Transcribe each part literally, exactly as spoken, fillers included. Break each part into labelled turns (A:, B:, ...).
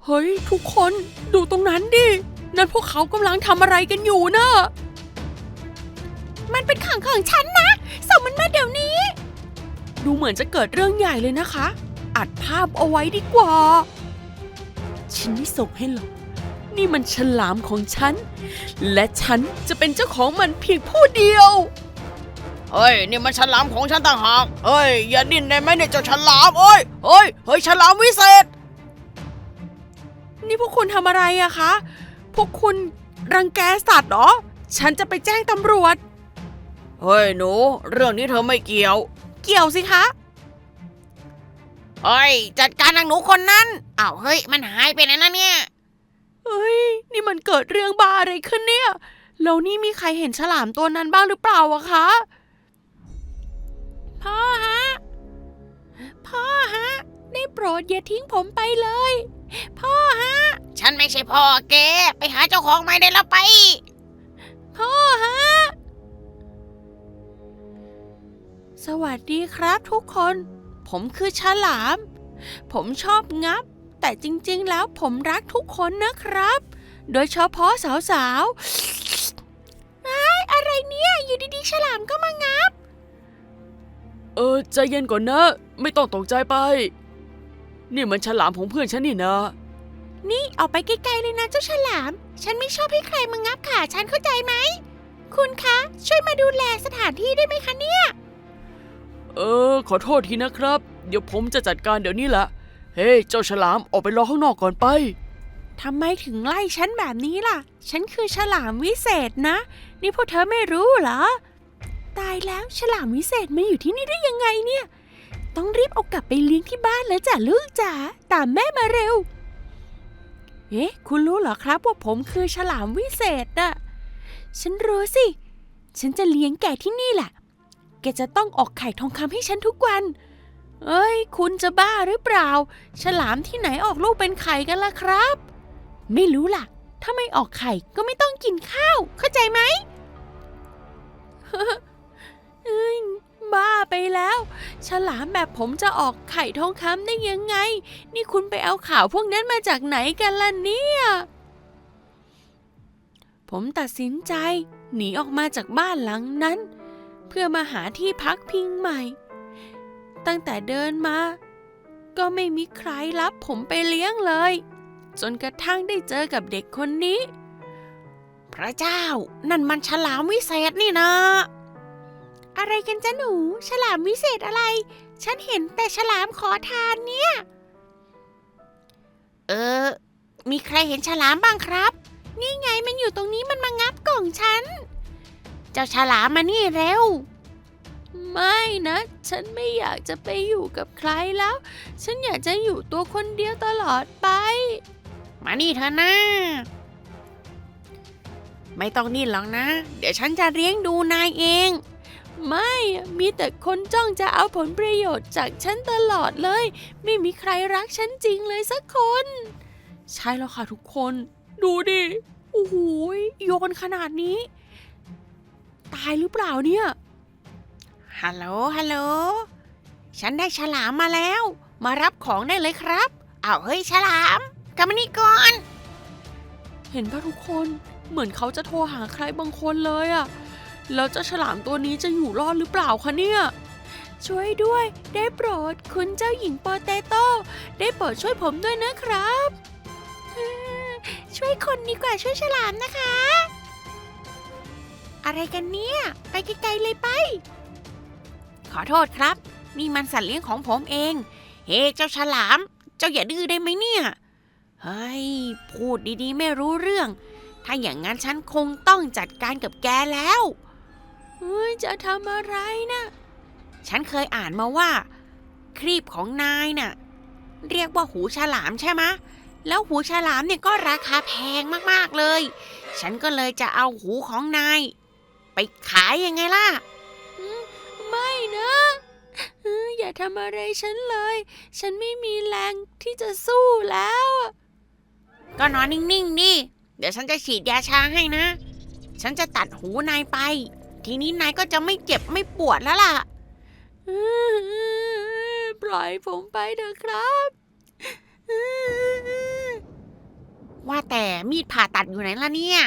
A: เฮ้ยทุกคนดูตรงนั้นดินั่นพวกเขากำลังทำอะไรกันอยู่นะมันเป็นของของฉันนะส่งมันมาเดี๋ยวนี้ดูเหมือนจะเกิดเรื่องใหญ่เลยนะคะอัดภาพเอาไว้ดีกว่าฉันไม่ส่งให้หรอกนี่มันฉลามของฉันและฉันจะเป็นเจ้าของมันเพียงผู้เดียวเฮ้ยนี่มันฉลามของฉันต่างหากเฮ้ยอย่าดิ้นได้ไหมเนี่ยเจ้าฉลามเอ้ยเฮ้ยเฮ้ยฉลามวิเศษนี่พวกคุณทำอะไรอะคะพวกคุณรังแกสัตว์เหรอฉันจะไปแจ้งตำรวจเฮ้ยหนูเรื่องนี้เธอไม่เกี่ยวเกี่ยวสิคะ
B: เฮ้ยจัดการนางหนูคนนั้นอ้าวเฮ้ยมันหายไปไหนนะเนี่ย
A: เฮ้ยนี่มันเกิดเรื่องบ้าอะไรขึ้นเนี่ยแล้วนี่มีใครเห็นฉลามตัวนั้นบ้างหรือเปล่าอะคะพ่อฮะพ่อฮะได้โปรดอย่าทิ้งผมไปเลยพ่อฮะ
B: ฉันไม่ใช่พ่อแกไปหาเจ้าของใหม่ได้แล้วไป
A: พ่อฮะสวัสดีครับทุกคนผมคือฉลามผมชอบงับแต่จริงๆแล้วผมรักทุกคนนะครับโดยเฉพาะสาวๆไอ้อะไรเนี่ยอยู่ดีๆฉลามก็มางับเออใจเย็นก่อนนะไม่ต้องตกใจไปนี่มันฉลามของเพื่อนฉันนี่นะนี่ออกไปไกลๆเลยนะเจ้าฉลามฉันไม่ชอบให้ใครมางับขาฉันเข้าใจไหมคุณคะช่วยมาดูแลสถานที่ได้ไหมคะเนี่ยเออขอโทษทีนะครับเดี๋ยวผมจะจัดการเดี๋ยวนี้แหละเฮ้ยเจ้าฉลามออกไปรอข้างนอกก่อนไปทำไมถึงไล่ฉันแบบนี้ล่ะฉันคือฉลามวิเศษนะนี่พวกเธอไม่รู้เหรอตายแล้วฉลามวิเศษมาอยู่ที่นี่ได้ยังไงเนี่ยต้องรีบเอากลับไปเลี้ยงที่บ้านแล้วจ้ะลูกจ๋าตามแม่มาเร็วเอ๊ะคุณรู้เหรอครับว่าผมคือฉลามวิเศษน่ะฉันรู้สิฉันจะเลี้ยงแกที่นี่แหละแกจะต้องออกไข่ทองคำให้ฉันทุกวันเอ้ยคุณจะบ้าหรือเปล่าฉลามที่ไหนออกลูกเป็นไข่กันล่ะครับไม่รู้ล่ะถ้าไม่ออกไข่ก็ไม่ต้องกินข้าวเข้าใจไหม เอ้ยบ้าไปแล้วฉลามแบบผมจะออกไข่ทองคำได้ยังไงนี่คุณไปเอาข่าวพวกนั้นมาจากไหนกันล่ะเนี่ยผมตัดสินใจหนีออกมาจากบ้านหลังนั้นเพื่อมาหาที่พักพิงใหม่ตั้งแต่เดินมาก็ไม่มีใครรับผมไปเลี้ยงเลยจนกระทั่งได้เจอกับเด็กคนนี้
B: พระเจ้านั่นมันฉลามวิเศษนี่นะ
A: อะไรกันจ๊ะหนูฉลามวิเศษอะไรฉันเห็นแต่ฉลามขอทานเนี่ย
B: เออมีใครเห็นฉลามบ้างครับ
A: นี่ไงมันอยู่ตรงนี้มันมางับกล่องฉัน
B: เจ้าฉลามมานี่เร็ว
A: ไม่นะฉันไม่อยากจะไปอยู่กับใครแล้วฉันอยากจะอยู่ตัวคนเดียวตลอดไป
B: มานี่เถอะนะไม่ต้องดิ้นหรอกนะเดี๋ยวฉันจะเลี้ยงดูนายเอง
A: ไม่มีแต่คนจ้องจะเอาผลประโยชน์จากฉันตลอดเลยไม่มีใครรักฉันจริงเลยสักคนใช่แล้วค่ะทุกคนดูดิโอ้โหโยนขนาดนี้ตายหรือเปล่าเนี่ย
B: ฮัลโหลฮัลโหลฉันได้ฉลามมาแล้วมารับของได้เลยครับอ้าวเฮ้ยฉลามกลับมานี่ก่อน
A: เห็นป่ะทุกคนเหมือนเขาจะโทรหาใครบางคนเลยอะแล้วเจ้าฉลามตัวนี้จะอยู่รอดหรือเปล่าคะเนี่ยช่วยด้วยได้โปรดคุณเจ้าหญิงโปเตโต้ได้โปรดช่วยผมด้วยนะครับช่วยคนดีกว่าช่วยฉลามนะคะอะไรกันเนี่ยไปไกลๆเลยไป
B: ขอโทษครับนี่มันสัตว์เลี้ยงของผมเองเฮ้เจ้าฉลามเจ้าอย่าดื้อได้ไหมเนี่ยเฮ้ยพูดดีๆไม่รู้เรื่องถ้าอย่างนั้นฉันคงต้องจัดการกับแกแล้ว
A: เฮ้ยจะทำอะไรนะ
B: ฉันเคยอ่านมาว่าครีบของนายน่ะเรียกว่าหูฉลามใช่ไหมแล้วหูฉลามเนี่ยก็ราคาแพงมากๆเลยฉันก็เลยจะเอาหูของนายไปขายยังไงล่ะ
A: ไม่นะอย่าทำอะไรฉันเลยฉันไม่มีแรงที่จะสู้แล้ว
B: ก็นอนนิ่งๆดิเดี๋ยวฉันจะฉีดยาชาให้นะฉันจะตัดหูนายไปทีนี้นายก็จะไม่เจ็บไม่ปวดแล้วล่ะ
A: ปล่อยผมไปเถอะครับ
B: แต่มีดผ่าตัดอยู่ไหนล่ะเนี่ย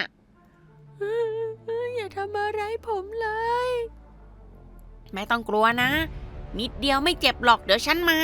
A: อย่าทำอะไรผมเลย
B: ไม่ต้องกลัวนะ นิดเดียวไม่เจ็บหรอกเดี๋ยวฉันมา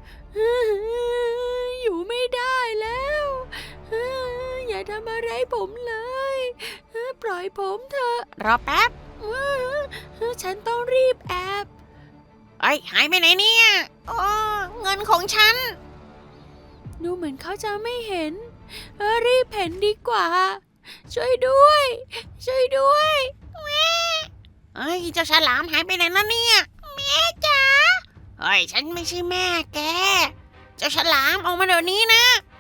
A: อยู่ไม่ได้แล้ว อย่าทำอะไรผมเลย ปล่อยผมเถอะ
B: รอแป๊บ
A: ฉันต้องรีบแอบ
B: เอ้ยหายไปไหนเนี่ยโอ้เงินของฉัน
A: ดูเหมือนเขาจะไม่เห็นเออรีบเห็นดีกว่า ช่วยด้วย ช่วยด้วยแม่
B: เอ้ยเจ้าฉลามหายไปไหนนะเนี่ยแม่จ๋าเฮ้ยฉันไม่ใช่แม่แก เจ้าฉลามออกมาเดี๋ยวนี้นะ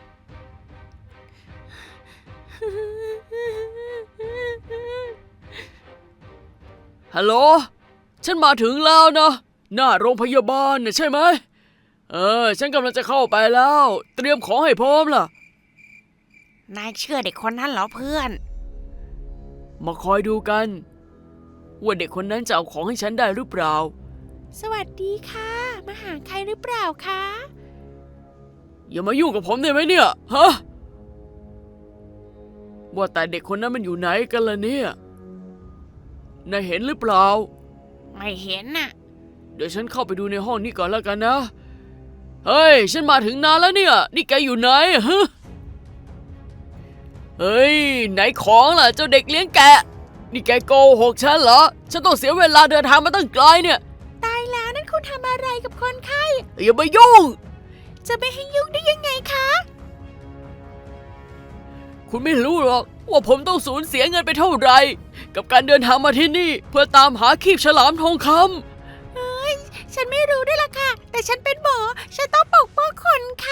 C: ฮัลโหล ฉันมาถึงแล้วนะ หน้าโรงพยาบาลน่ะใช่ไหม เออ ฉันกำลังจะเข้าไปแล้ว เตรียมของให้พร้อมล่ะ
B: นายเชื่อเด็กคนนั้นเหรอเพื่อน
C: มาคอยดูกัน ว่าเด็กคนนั้นจะเอาของให้ฉันได้หรือเปล่า
A: สวัสดีค่ะ มาหาใครหรือเปล่าคะ
C: อย่ามายุ่งกับผมได้ไหมเนี่ย ฮะ ว่าแต่เด็กคนนั้นมันอยู่ไหนกันล่ะเนี่ย นายเห็นหรือเปล่า
B: ไม่เห็นน่ะ
C: เดี๋ยวฉันเข้าไปดูในห้องนี้ก่อนแล้วกันนะ เฮ้ย ฉันมาถึงนานแล้วเนี่ย นี่แกอยู่ไหนฮะ เฮ้ย ไหนของล่ะเจ้าเด็กเลี้ยงแกะ นี่แกโกหกฉันเหรอ ฉันต้องเสียเวลาเดินทางมาตั้งไกลเนี่ย
A: ตายแล้วนั่นคุณทำอะไรกับคนไข้
C: อย่ามายุ่ง
A: จะไม่ให้ยุ่งได้ยังไงคะ
C: คุณไม่รู้หรอกว่าผมต้องสูญเสียเงินไปเท่าไหร่กับการเดินทางมาที่นี่เพื่อตามหาครีบฉลามทองคำ
A: เฮ้ย ฉันไม่รู้ด้วยล่ะค่ะ แต่ฉันเป็นหมอ ฉันต้องปกป้องคนไข้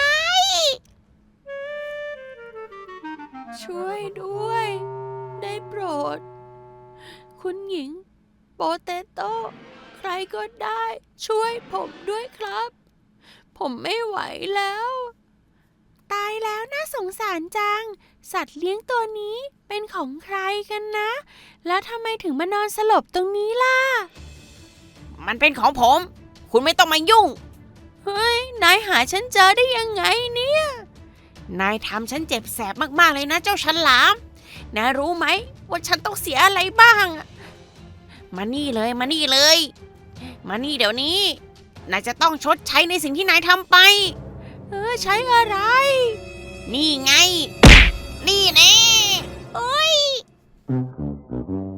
A: ช่วยด้วย ได้โปรด คุณหญิง โปเตโต้ ใครก็ได้ ช่วยผมด้วยครับ ผมไม่ไหวแล้ว ตายแล้วน่าสงสารจัง สัตว์เลี้ยงตัวนี้เป็นของใครกันนะ แล้วทำไมถึงมานอนสลบตรงนี้ล่ะ
B: มันเป็นของผม คุณไม่ต้องมายุ่ง
A: เฮ้ย นายหาฉันเจอได้ยังไงเนี่ย
B: นายทำฉันเจ็บแสบมากๆเลยนะเจ้าฉลาม นายรู้ไหมว่าฉันต้องเสียอะไรบ้างอะมานี่เลยมานี่เลย มานี่เดี๋ยวนี้ นายจะต้องชดใช้ในสิ่งที่นายทำไป
A: เออใช้อะไร
B: นี่ไง นี่แน่โอ้ย